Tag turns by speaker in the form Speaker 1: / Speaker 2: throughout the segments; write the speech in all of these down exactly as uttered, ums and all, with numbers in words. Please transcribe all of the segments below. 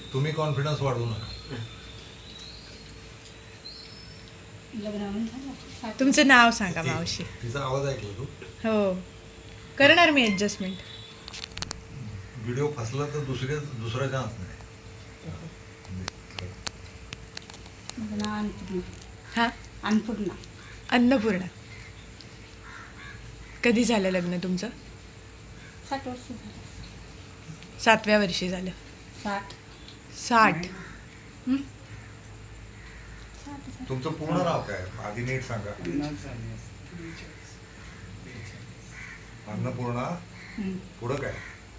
Speaker 1: तुम्ही कॉन्फिडन्स वाढवू नका.
Speaker 2: तुमचं नाव सांगा
Speaker 1: ती-
Speaker 2: मावशी.
Speaker 1: तिचा आवाज ऐकला तू?
Speaker 2: हो करणार मी ॲडजस्टमेंट.
Speaker 1: व्हिडिओ फसला तर दुसरे दुसरा चान्स नाही.
Speaker 2: हां
Speaker 3: अन्नपूर्णा.
Speaker 2: अन्नपूर्णा. कधी झालं लग्न तुमचं?
Speaker 3: साठ वर्ष झालं.
Speaker 2: सातव्या वर्षी झालं.
Speaker 3: साठ.
Speaker 2: साठ.
Speaker 3: हं? साठ झालं.
Speaker 1: तुमचं पूर्ण नाव काय आधी नीट सांगा. अन्नपूर्णा.
Speaker 3: हं.
Speaker 1: पुढं काय?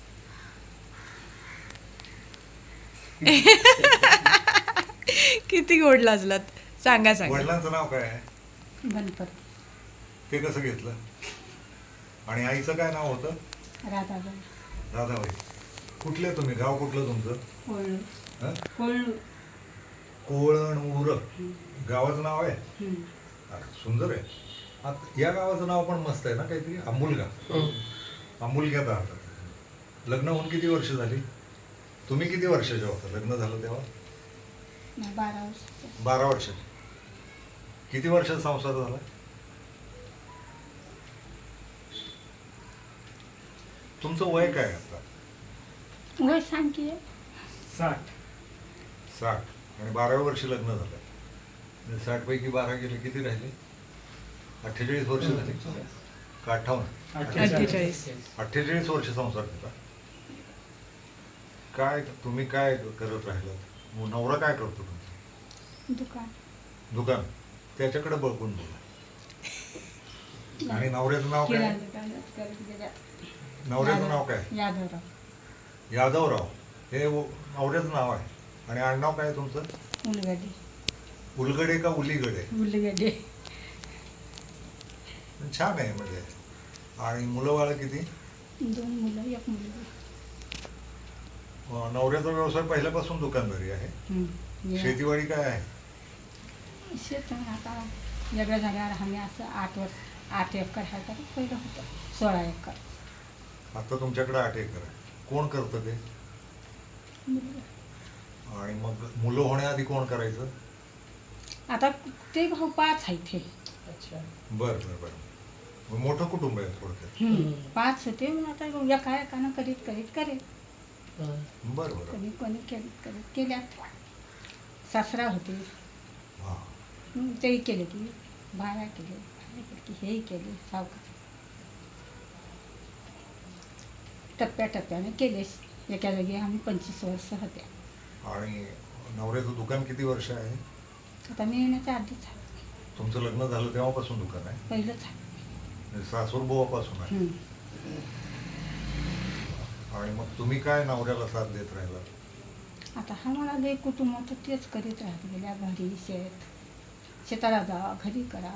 Speaker 2: किती गोड लाजलात. सांगा सांगा.
Speaker 1: वडिलांचं नाव काय आहे?
Speaker 3: गणपत.
Speaker 1: ते कसं घेतलं? आणि आईचं काय नाव होतं?
Speaker 3: राधाबाई.
Speaker 1: राधाबाई. कुठले तुम्ही? गाव कुठलं तुमचं?
Speaker 3: कोळू.
Speaker 1: हं?
Speaker 3: कोळू.
Speaker 1: कोळणूर गावाचं नाव आहे?
Speaker 3: हं.
Speaker 1: अरे, सुंदर आहे. आता या गावाचं नाव पण मस्त आहे ना काहीतरी. अमूलगा. अमूलग्यात राहतात. लग्न होऊन किती वर्ष झाली? तुम्ही किती वर्षाचे होता लग्न झालं तेव्हा?
Speaker 3: नाही, बारा वर्ष.
Speaker 1: बारा वर्ष. किती वर्षाचा संसार झाला? तुमचं वय काय आता?
Speaker 3: वय सांग की.
Speaker 4: साठ.
Speaker 1: साठ आणि बाराव्या वर्षी लग्न झालं. साठ पैकी बारा गेले, किती राहिले? अठ्ठेचाळीस वर्ष झाली का अठ्ठावन्न?
Speaker 2: अठ्ठेचाळीस.
Speaker 1: अठ्ठेचाळीस वर्ष संसार केला. काय तुम्ही काय करत राहिलात? मग नवरा काय करतो तुमचा?
Speaker 3: दुकान.
Speaker 1: दुकान. त्याच्याकडे बघून बोला. आणि नवऱ्याचं नाव काय?
Speaker 3: किराणा दुकानात करत गेल्या.
Speaker 1: नवऱ्याचं नाव काय?
Speaker 3: यादवराव.
Speaker 1: यादवराव. हे व- नवऱ्याचं नाव आहे. आणि आडनाव काय आहे तुमचं?
Speaker 3: उलगडे.
Speaker 1: उलगडे का उलीगडे?
Speaker 3: उलगडे.
Speaker 1: छान आहे म्हणजे. आणि मुलं बाळ किती?
Speaker 3: दोन मुलं एक मुलगी.
Speaker 1: अं, नवऱ्याचा व्यवसाय पहिल्यापासून दुकानदारी आहे.
Speaker 3: हं. या.
Speaker 1: शेतीवाडी काय आहे?
Speaker 3: शेत आता वेगळं झाल्यावर आम्ही असं आठ वर्ष आठ एकर आहे का पहिलं होतं सोळा एकर.
Speaker 1: आता तुमच्याकडे आठ एकर आहे. कोण करतं ते? आणि मग मुलं होण्याआधी कोण करायचं?
Speaker 3: आता ते भाऊ पाच आहेत हे.
Speaker 4: अच्छा.
Speaker 1: बरं बरं बरं. मग मोठं कुटुंब आहे थोडक्यात.
Speaker 3: पाच होते मग आता एका एकानं करीत करीत करीत
Speaker 1: बरं बरं.
Speaker 3: कधी कोणी करीत करीत केल्यात. सासरा होते.
Speaker 1: हां.
Speaker 3: हं, तेही केले की बाया केले बाया केले की हेही केले सावकार. टप्प्याटप्प्याने केले. एका जागी आम्ही पंचवीस वर्ष होत्या.
Speaker 1: आणि नवऱ्याचं दुकान किती वर्ष आहे?
Speaker 3: आता मी येण्याच्या आधीच आहे.
Speaker 1: तुमचं लग्न झालं तेव्हापासून दुकान आहे?
Speaker 3: पहिलंच आहे.
Speaker 1: म्हणजे सासूरबुवापासून आहे.
Speaker 3: हं.
Speaker 1: आणि मग तुम्ही काय नवऱ्याला साथ देत राहिला?
Speaker 3: आता हा मला लय कुटुंब होतं तेच करीत राहत गेल्या. घरी शेत शेताला जा घरी करा.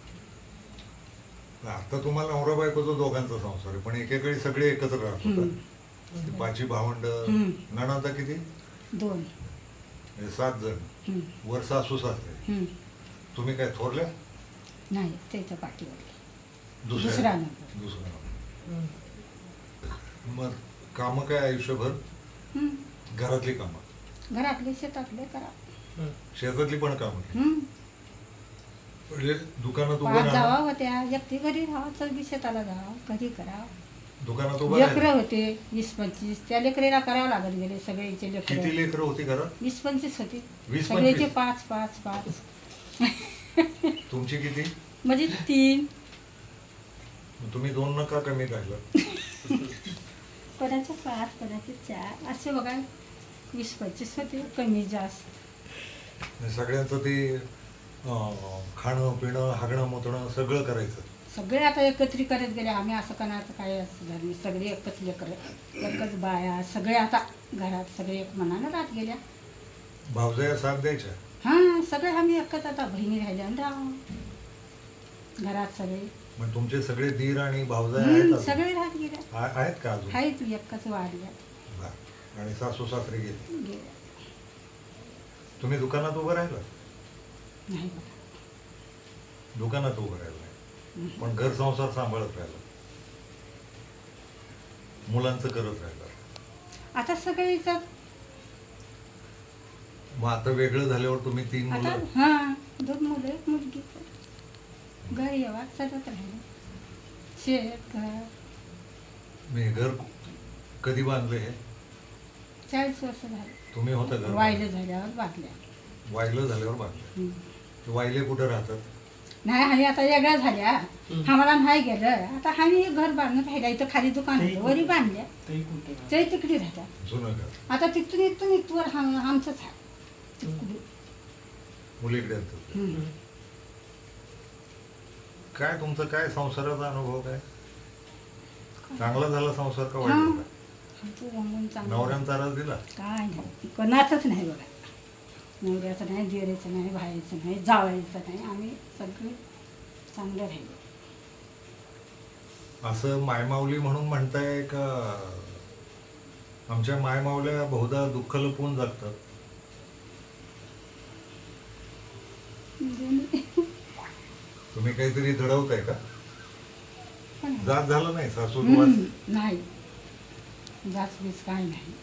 Speaker 1: आता तुम्हाला नवरा बायकोचा दोघांचा संसार आहे, पण एकेकाळी सगळे एकत्र राहत
Speaker 3: हं.
Speaker 1: होता. ती पाची भावंड.
Speaker 3: हं.
Speaker 1: नणांदा किती?
Speaker 3: दोन.
Speaker 1: म्हणजे सात जण.
Speaker 3: हं.
Speaker 1: वर सासू सासरे.
Speaker 3: हं.
Speaker 1: तुम्ही काय थोरल्या?
Speaker 3: नाही त्याच्या पाठीवर
Speaker 1: दुसऱ्या
Speaker 3: दुसरा नंबर.
Speaker 1: दुसरा नंबर. मग कामं काय आयुष्यभर?
Speaker 3: हं.
Speaker 1: घरातली कामं?
Speaker 3: घरातले शेतातले करा.
Speaker 1: शेतातली पण कामं केली.
Speaker 3: हं.
Speaker 1: म्हणजे दुकानात उभं
Speaker 3: पाच जावा
Speaker 1: राहा.
Speaker 3: होत्या. एकटी घरी राहा चौघी शेताला जावा घरी करा.
Speaker 1: दुकानात उभं
Speaker 3: लेकरं
Speaker 1: राहा.
Speaker 3: होते वीस पंचवीस. त्या लेकरीला करावं लागत गेले सगळ्याचे
Speaker 1: किती
Speaker 3: लेकरं.
Speaker 1: लेकरं होती घरात?
Speaker 3: वीस पंचवीस होते.
Speaker 1: वीस
Speaker 3: सगळ्याचे
Speaker 1: पंचवीस?
Speaker 3: पाच पाच पाच.
Speaker 1: तुमची किती?
Speaker 3: म्हणजे तीन.
Speaker 1: मग तुम्ही दोन नका कमी काढलं.
Speaker 3: कोणाचे पाच कोणाचे चार असे बघा. वीस पंचवीस होते कमी जास्त.
Speaker 1: आणि सगळ्यांचं ते अं, खाणं पिणं हागणं मोतणं सगळं करायचं.
Speaker 3: सगळे आता एकत्रित करत गेले. आम्ही असं करण्याचं काय असं झालं नाही. सगळे एकच लेकरं एकच बाया सगळे आता घरात सगळे एक मनानं राहत गेल्या.
Speaker 1: भावजया साथ द्यायच्या?
Speaker 3: हां सगळे आम्ही एकच आता बहिणी राहिल्या आणि राहू. घरात सगळे
Speaker 1: मग तुमचे सगळे दीर आणि भावजया
Speaker 3: हं,
Speaker 1: आहेत अजून?
Speaker 3: सगळे राहत गेल्या.
Speaker 1: आ- आहेत का अजून?
Speaker 3: आहेत एकच वाढल्या
Speaker 1: बरं. आणि सासू सासरे गेले.
Speaker 3: गेल्या.
Speaker 1: तुम्ही दुकानात उभं राहिला?
Speaker 3: नाही बघा.
Speaker 1: दुकानात उभं राहिलं पण घर संसार सांभाळत राहिला. मुलांचं करत राहिला.
Speaker 3: आता सगळीच
Speaker 1: मग आता वेगळं झाल्यावर तुम्ही तीन
Speaker 3: आता
Speaker 1: मुलं
Speaker 3: हां दोन मुलं एक मुलगी घर येवा चालत राहिलं शेत घर
Speaker 1: मी घर कधी बांधलं हे
Speaker 3: चाळीस वर्ष झाले
Speaker 1: तुम्ही होता घर
Speaker 3: वायले झाल्यावर बांधल्या
Speaker 1: वाहिलं झाल्यावर बांधलं
Speaker 3: हं.
Speaker 1: ते वाहिले कुठं राहतात
Speaker 3: नाही आम्ही आता वेगळ्या झाल्या आम्हाला नाही गेलं आता आम्ही घर बांधून राहिला इथं खाली दुकान होतं वरी बांधल्या ते तिकडे राहतात
Speaker 1: जुनं घर
Speaker 3: आता तिथून इथून इथवर आम- आमचंच आहे तिकडे.
Speaker 1: मुलीकडे असतात.
Speaker 3: हं.
Speaker 1: काय तुमचं काय संसाराचा अनुभव काय चांगला झाला संसार का वाईट
Speaker 3: हां.
Speaker 1: झाला
Speaker 3: आमचं रंगून चांगलं
Speaker 1: नवऱ्यानं त्रास दिला
Speaker 3: काय नाही कोणाचंच नाही बघा नवऱ्याचं नाही दिरेचं नाही भाईचं नाही जावायचं नाही आम्ही सगळे चांगले राहिलो
Speaker 1: असं मायमाऊली म्हणून म्हणताय का आमच्या मायमाऊल्या बहुधा दुःख लपवून जगतात
Speaker 3: म्हणजे
Speaker 1: तुम्ही काहीतरी घडवताय का
Speaker 3: पण
Speaker 1: जात झालं नाही सासू
Speaker 3: हम्म, नाही जास्त बीज काय नाही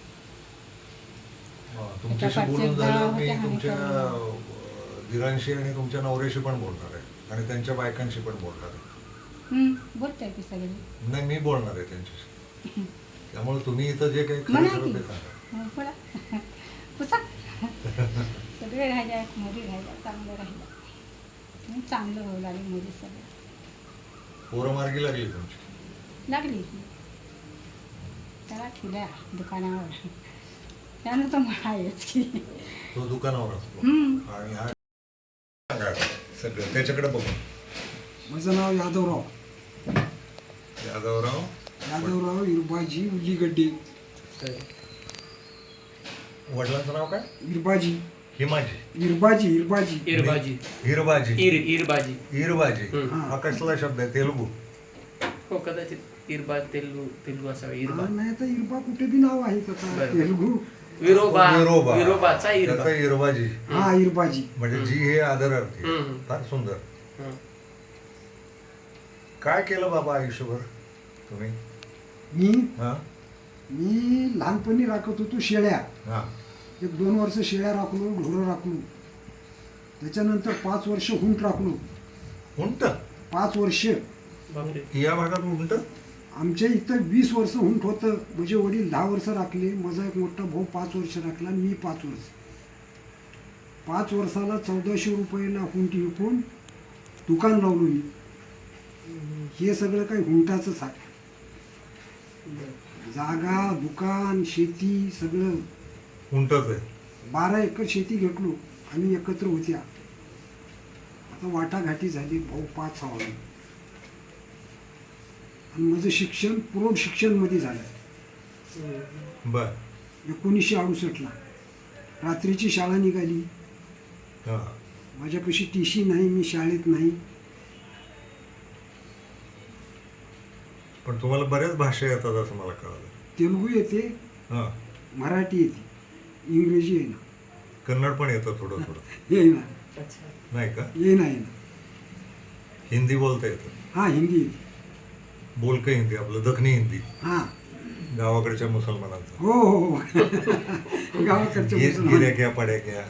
Speaker 1: तुमच्याशी
Speaker 3: त्याच्या
Speaker 1: बोलून
Speaker 3: पाठच्या
Speaker 1: झालं
Speaker 3: होत्या
Speaker 1: मी
Speaker 3: आणि
Speaker 1: तुमच्या
Speaker 3: त्या-
Speaker 1: अं, दिरांशी आणि तुमच्या नवऱ्याशी पण बोलणार आहे आणि त्यांच्या बायकांशी पण बोलणार आहे
Speaker 3: हम्म, बोलताय की सगळे
Speaker 1: नाही मी बोलणार आहे त्यांच्याशी त्यामुळे तुम्ही इथं जे काही खरं
Speaker 3: म्हणा
Speaker 1: खरं
Speaker 3: की
Speaker 1: ते सांगा
Speaker 3: हो, बोला पुसा सगळे राहिल्या मोदी राहिल्या चांगलं राहिलं आणि चांगलं होऊ लागले मोदी सगळे
Speaker 1: पोरं मार्गी लागली तुमची
Speaker 3: लागली की त्याला ठेवल्या दुकानावर त्यानं तर म्हणायच की
Speaker 1: तो दुकानावर असतो
Speaker 3: हम्म.
Speaker 1: आणि हा सांगा सगळं त्याच्याकडे बघून
Speaker 4: माझं नाव यादवराव
Speaker 1: यादवराव
Speaker 4: यादवराव इरबाजी उल्लीगड्डे
Speaker 1: वडिलांचं नाव काय
Speaker 4: इरबाजी
Speaker 1: हिमाजी
Speaker 4: इरबाजी इरबाजी
Speaker 5: इरबाजी
Speaker 1: हिरबाजी
Speaker 5: इर इरबाजी
Speaker 1: हिरबाजी
Speaker 5: हम्म.
Speaker 1: हा कसला शब्द आहे तेलुगू
Speaker 5: हो कदाचित इरबा तेलगू तेलगू असावा इरबा
Speaker 4: हा, नाही तर इरबा कुठे बी नाव आहे त्याचा
Speaker 5: बरं.
Speaker 4: तेलगू
Speaker 5: विरोबा
Speaker 1: विरोबा
Speaker 5: विरोबाचा इरबा
Speaker 1: त्याचा हिरबाजी
Speaker 4: हा इरबाजी
Speaker 1: म्हणजे जी हे आदरार्थी आहे.
Speaker 5: हम्म.
Speaker 1: फार सुंदर
Speaker 5: हं.
Speaker 1: काय केलं बाबा आयुष्यभर तुम्ही
Speaker 4: मी
Speaker 1: हा
Speaker 4: मी लहानपणी राखत होतो शेळ्या
Speaker 1: हा
Speaker 4: एक दोन वर्ष शेळ्या राखलो ढोरं राखलो त्याच्यानंतर पाच वर्ष हुंट राखलो
Speaker 1: उंट
Speaker 4: पाच वर्ष
Speaker 5: बापरे
Speaker 1: या भागात उंट
Speaker 4: आमच्या इथं वीस वर्ष हुंट होतं म्हणजे वडील दहा वर्ष राखले माझा एक मोठा भाऊ पाच वर्ष राखला आणि मी पाच वर्ष पाच वर्षाला चौदाशे रुपयाला हुंट विकून दुकान लावलो मी हे सगळं काही हुंटाचंच आहे जागा दुकान शेती सगळं
Speaker 1: उंटच आहे
Speaker 4: बारा एकर शेती घेतलो आम्ही एकत्र होत्या आता वाटाघाटी झाली भाऊ पाच सहा वाजले. आणि माझं शिक्षण प्रौढ शिक्षणमध्ये झालं
Speaker 1: बर
Speaker 4: एकोणीसशे अडुसष्टला रात्रीची शाळा निघाली
Speaker 1: हा
Speaker 4: माझ्यापाशी टी सी नाही मी शाळेत नाही
Speaker 1: पण तुम्हाला बऱ्याच भाषा येतात असं मला कळालं
Speaker 4: तेलुगू येते
Speaker 1: हा
Speaker 4: मराठी येते इंग्रजी येईना
Speaker 1: कन्नड पण येतं थोडं थोडं
Speaker 4: येईना
Speaker 5: अच्छा
Speaker 1: नाही का
Speaker 4: येईना येईना
Speaker 1: हिंदी बोलता येतं
Speaker 4: हां हिंदी येते
Speaker 1: बोलकं हिंदी आपलं दखनी हिंदी
Speaker 4: हां
Speaker 1: गावाकडच्या मुसलमानांचं
Speaker 4: हो हो हो गावाकडच्या
Speaker 1: गिर-
Speaker 4: मुसलमान.
Speaker 1: गिऱ्या घ्या पड्या घ्या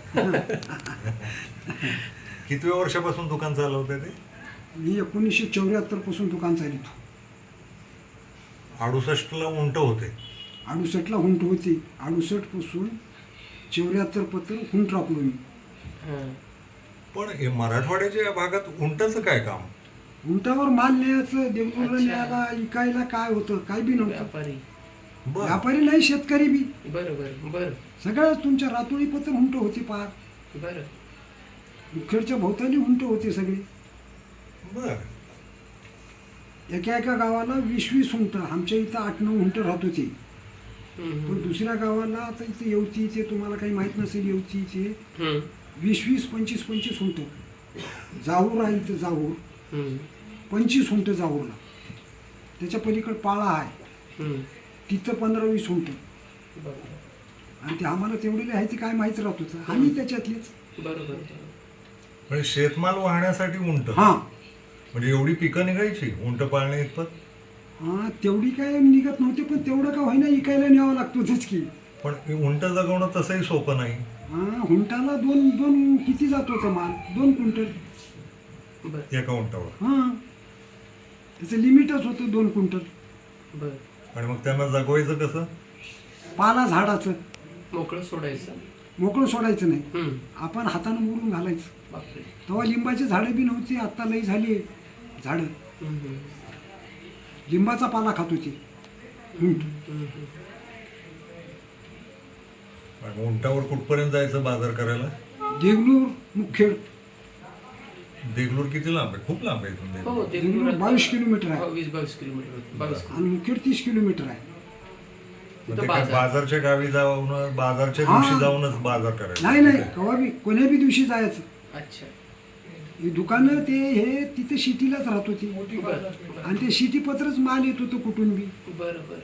Speaker 1: कितव्या वर्षापासून दुकान चालवते ते
Speaker 4: मी एकोणीसशे चौऱ्याहत्तर पासून दुकान चालितो
Speaker 1: अडुसष्टला उंट होते
Speaker 4: अडुसष्टला हुंट होती अडुसष्ट पासून चौऱ्याहत्तर पत्र हुंट राखलो मी
Speaker 5: हं.
Speaker 1: पण हे मराठवाड्याच्या या भागात उंटाचं काय काम
Speaker 4: हुंटावर माल न्यायचं देवगुरला
Speaker 5: अच्छा.
Speaker 4: न्यायला इकायला काय होतं काय बी नव्हतं
Speaker 5: व्यापारी
Speaker 1: बर
Speaker 4: व्यापारी नाही शेतकरी बी
Speaker 5: बरं बरं बरं
Speaker 4: सगळ्या तुमच्या रातोळी पत्र हुंट होती पार
Speaker 5: बरं
Speaker 4: मुखेडच्या भोवताली हुंट होते सगळे
Speaker 1: बर
Speaker 4: एका एका गावाला वीस वीस हुंट आमच्या इथं आठ नऊ हुंट राहत होते
Speaker 5: हं,
Speaker 4: पण
Speaker 5: हं.
Speaker 4: दुसऱ्या गावाला आता इथं येवतीचे तुम्हाला काही माहीत नसेल येवतीचे
Speaker 5: हं,
Speaker 4: वीस वीस पंचवीस पंचवीस हुंट जाऊर आहे इथं जाऊर
Speaker 5: हं,
Speaker 4: पंचवीस हुंट जाऊरला त्याच्या पलीकडे पाळा आहे
Speaker 5: हं.
Speaker 4: तिथं पंधरा वीस हुंट
Speaker 5: बरं
Speaker 4: आणि ते आम्हाला तेवढे आहे ते काय माहीत राहत होतं आम्ही त्याच्यातलेच
Speaker 5: बरं बरं
Speaker 1: म्हणजे शेतमाल वाहण्यासाठी उंट
Speaker 4: हां
Speaker 1: म्हणजे एवढी पिकं निघायची उंट पाळणे इतपत
Speaker 4: हां तेवढी काय निघत नव्हते पण तेवढं का होईना इकायला न्यावं लागतोच की
Speaker 1: पण उंट जगवणं तसंही सोपं नाही.
Speaker 4: हा, हुंटाला दोन दोन किती जात होतं माल दोन क्विंटल.
Speaker 5: बर
Speaker 1: एका उंटावर.
Speaker 4: हां त्याचं लिमिटच होतं दोन क्विंटल.
Speaker 5: बर
Speaker 1: आणि मग त्यांना जगवायचं कसं?
Speaker 4: पाला झाडाचं
Speaker 5: मोकळं सोडायचं.
Speaker 4: मोकळं सोडायचं नाही,
Speaker 5: हम्म.
Speaker 4: आपण हातानं मोडून घालायचं.
Speaker 5: बापरे.
Speaker 4: तेव्हा लिंबाची झाडं बी नव्हती, आत्ता लई झाली झाडं.
Speaker 5: हम्म, हम्म.
Speaker 4: लिंबाचा पाला खात होती हुंट.
Speaker 5: हम्म, हम्म.
Speaker 1: आणि उंटावर कुठपर्यंत जायचं बाजार करायला?
Speaker 4: देगलूर मुखेड.
Speaker 1: देगलूर किती लांब आहे? खूप लांब आहे इथून
Speaker 5: हो
Speaker 1: देगलूर.
Speaker 5: ते
Speaker 4: देगलूर
Speaker 5: गुजरात-
Speaker 4: बावीस किलोमीटर आहे.
Speaker 5: हो, वीस बावीस किलोमीटर होतं. बावीस किलोमीटर.
Speaker 4: आणि मुखेड तीस किलोमीटर आहे.
Speaker 1: मग
Speaker 5: तिथं
Speaker 1: ते काय
Speaker 5: बाजार.
Speaker 1: बाजारच्या गावी जाऊन बाजारच्या
Speaker 4: हा.
Speaker 1: दिवशी जाऊनच बाजार करायचा?
Speaker 4: नाही नाही केव्हा बी कोण्या बी दिवशी जायचं.
Speaker 5: अच्छा.
Speaker 4: ही दुकानं ते हे तिथे सिटीलाच राहत होती
Speaker 5: बरं बरं
Speaker 4: आणि ते सिटीपत्रच माल येत होतं कुठून बी.
Speaker 5: बरं बरं.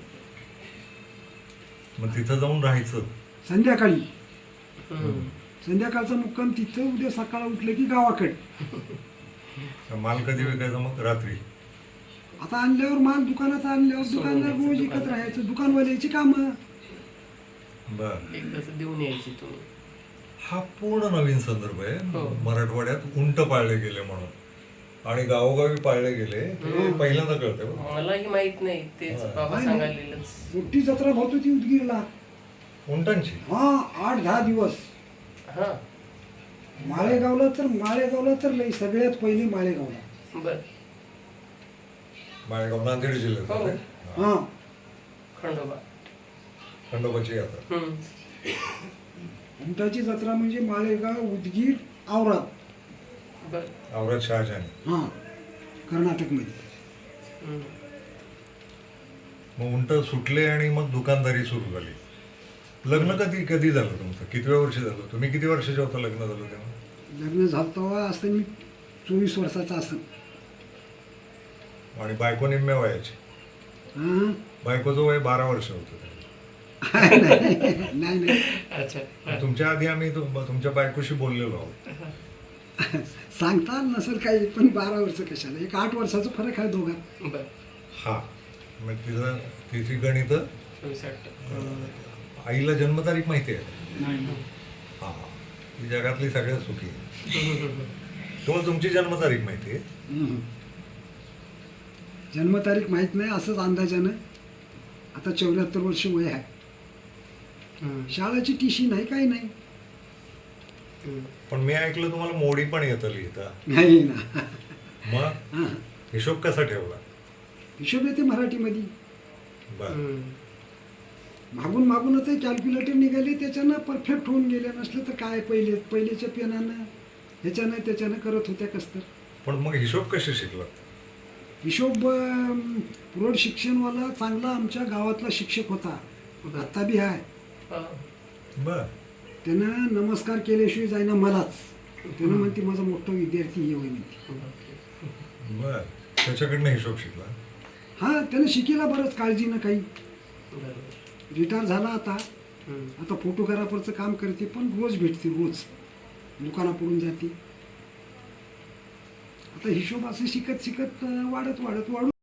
Speaker 1: मग तिथं जाऊन राहायचं.
Speaker 4: संध्याकाळी
Speaker 5: हम्म.
Speaker 4: संध्याकाळचा मुक्काम तिथं, उद्या सकाळ उठलं की गावाकडे.
Speaker 1: माल कधी विकायचा मग? रात्री.
Speaker 4: आता आणल्यावर माल दुकानात आणल्यावर दुकानदार रोज विकत राहायचं. दुकानवाल्याची कामं.
Speaker 1: बर.
Speaker 5: एकदाच देऊन यायची तुम्ही.
Speaker 1: हा पूर्ण नवीन संदर्भ आहे.
Speaker 5: हो.
Speaker 1: मराठवाड्यात उंट पाळले गेले म्हणून आणि गावोगावी पाळले गेले हे पहिल्यांदा कळतंय बरं.
Speaker 5: मलाही माहित नाही, तेच
Speaker 1: हा.
Speaker 5: बाबा
Speaker 4: नाही,
Speaker 5: सांगायलेलंच.
Speaker 4: मोठी जत्रा भरत होती उदगीरला.
Speaker 1: उंटांची.
Speaker 4: हा आठ दहा दिवस.
Speaker 5: हा.
Speaker 4: माळेगावला तर माळेगावला तर लई सगळ्यात पहिले माळेगावला.
Speaker 5: बर.
Speaker 1: माळेगाव नांदेड जिल्ह्यात
Speaker 5: हो.
Speaker 1: आहे.
Speaker 4: हा
Speaker 5: खंडोबा.
Speaker 1: खंडोबाची यात्रा.
Speaker 5: हम्म.
Speaker 4: उंटाची जत्रा म्हणजे माळेगाव, उदगीर, औराद.
Speaker 5: बर.
Speaker 1: औरत शहाजहानी.
Speaker 4: हा कर्नाटकमध्ये.
Speaker 5: हम्म.
Speaker 4: हो.
Speaker 1: मग उंट सुटले आणि मग दुकानदारी सुरू झाली. लग्न कधी कधी झालं तुमचं? कितव्या वर्षी झालं? तुम्ही किती वर्षाचे होता लग्न झालं तेव्हा?
Speaker 4: लग्न झालं तेव्हा असतं मी चोवीस वर्षाचा असं.
Speaker 1: आणि बायको निम्म्या वयाची.
Speaker 4: हा
Speaker 1: बायकोचं वय बारा वर्ष होतं तेव्हा.
Speaker 4: नाही नाही
Speaker 5: अच्छा. हा.
Speaker 1: तुमच्या आधी आम्ही तु- तुमच्या बायकोशी बोललेलो आहोत.
Speaker 4: सांगता नसेल काही, पण बारा वर्ष कशाला, एक आठ वर्षाचा फरक आहे दोघांत.
Speaker 5: बर.
Speaker 1: हा. मग तिचं तिची गणितं.
Speaker 5: चोवीस आठ.
Speaker 1: आईला जन्मतारीख माहिती आहे? हा. ती जगातली सगळ्यात सुखी आहे. तुम्हाला तुमची जन्मतारीख माहिती आहे?
Speaker 4: हम्म. जन्मतारीख माहीत नाही, असंच अंदाजानं. आता चौऱ्याहत्तर वर्ष वय आहे.
Speaker 5: हम्म.
Speaker 4: शाळेची टीशी नाही, काही नाही.
Speaker 5: हम्म.
Speaker 1: पण मी ऐकलं तुम्हाला मोडी पण येतं लिहिता.
Speaker 4: नाही ना.
Speaker 1: मग
Speaker 4: हां
Speaker 1: हिशोब कसा ठेवला?
Speaker 4: हिशोब येते मराठीमध्ये.
Speaker 1: बर.
Speaker 5: हम्म.
Speaker 4: मागून मागूनच कॅल्क्युलेटर निघाले, त्याच्यानं परफेक्ट होऊन गेले. नसलं तर काय, पहिले पहिलेच्या पेनानं ह्याच्यानं त्याच्यानं करत होत्या कसतर.
Speaker 1: पण मग हिशोब कसे शिकला?
Speaker 4: हिशोब अं, प्रौढ शिक्षणवाला चांगला आमच्या गावातला शिक्षक होता,
Speaker 5: बरं.
Speaker 4: आत्ता बी आहे.
Speaker 5: हा.
Speaker 1: बर.
Speaker 4: त्यानं नमस्कार केल्याशिवाय जाईना मलाच. त्यानं म्हणते माझा मोठा विद्यार्थी हे होय म्हणते.
Speaker 1: बर. त्याच्याकडनं हिशोब शिकला.
Speaker 4: हां त्यानं शिकेला बरंच काळजीनं काही.
Speaker 5: बरोबर.
Speaker 4: रिटायर झाला आता.
Speaker 5: हम्म.
Speaker 4: आता फोटोग्राफरचं काम करते, पण रोज भेटते, रोज दुकानापुढून जाते. आता हिशोब असं शिकत शिकत अं, वाढत वाढत वाढून